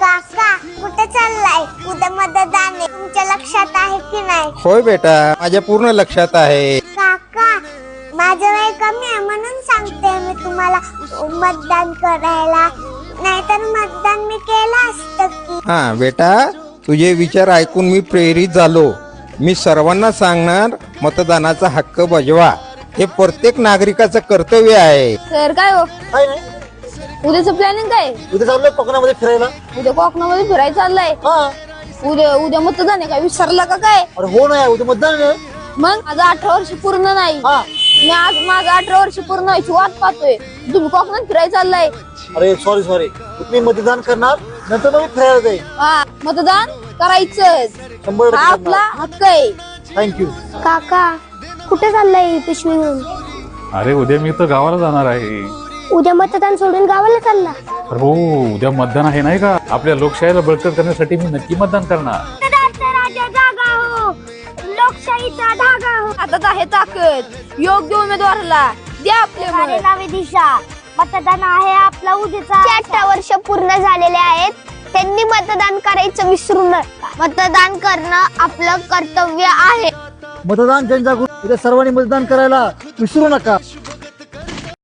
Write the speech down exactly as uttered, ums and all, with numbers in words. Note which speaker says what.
Speaker 1: काका कुठे चाललाय? उद्या मतदान आहे, तुमच्या लक्षात आहे की नाही?
Speaker 2: होय बेटा, माझ्या पूर्ण लक्षात आहे.
Speaker 1: काका माझं वय कमी आहे म्हणून सांगते मी तुम्हाला मतदान करायला, नाहीतर मतदान मी केलं असतं की.
Speaker 2: हा बेटा, तुझे विचार ऐकून मी प्रेरित झालो. मी सर्वांना सांगणार, मतदानाचा हक्क बजवा. हे प्रत्येक नागरिकाचं कर्तव्य आहे.
Speaker 3: सर काय हो
Speaker 4: काय नाही,
Speaker 3: उद्याचं प्लॅनिंग काय?
Speaker 4: उद्या चाललोय कोकणामध्ये फिरायला.
Speaker 3: उद्या कोकणामध्ये फिरायला चाललंय.
Speaker 4: हा,
Speaker 3: उद्या उद्या मतदान आहे काय? विसरला का काय?
Speaker 4: अरे हो ना, उद्या मतदान आहे.
Speaker 3: मग माझं अठरा वर्ष पूर्ण नाही.
Speaker 4: हा,
Speaker 3: मी आज माझं अठरा वर्ष पूर्ण व्हायची वाट पाहतोय. तुम्ही कोकणात फिरायला चाललाय.
Speaker 4: अरे सॉरी सॉरी, तुम्ही मतदान करणार, नंतर मग मी फिरायला जाईल.
Speaker 3: हा, मतदान करायचं
Speaker 4: शंभर
Speaker 3: हा आपला हक्क आहे.
Speaker 4: थँक्यू.
Speaker 1: काका कुठे चाललाय पिशवी घेऊन?
Speaker 5: अरे उद्या मी तर गावाला जाणार आहे.
Speaker 1: उद्या मतदान सोडून गावाला चालला?
Speaker 5: अरे हो, उद्या मतदान आहे नाही का? आपल्या लोकशाहीला बळकट करण्यासाठी मी नक्की मतदान करणार.
Speaker 1: लोकशाहीचा धागा हो.
Speaker 3: हातात आहे ताकद. योग्य उमेदवाराला द्या आपले मत.
Speaker 1: नवी दिशा. मतदान आहे आपला उद्याचा. अठरा वर्ष पूर्ण झालेले आहेत, त्यांनी मतदान करायचं विसरू नका. मतदान करणं आपलं कर्तव्य आहे.
Speaker 4: मतदान जनजागृती, उद्या सर्वांनी मतदान करायला विसरू नका.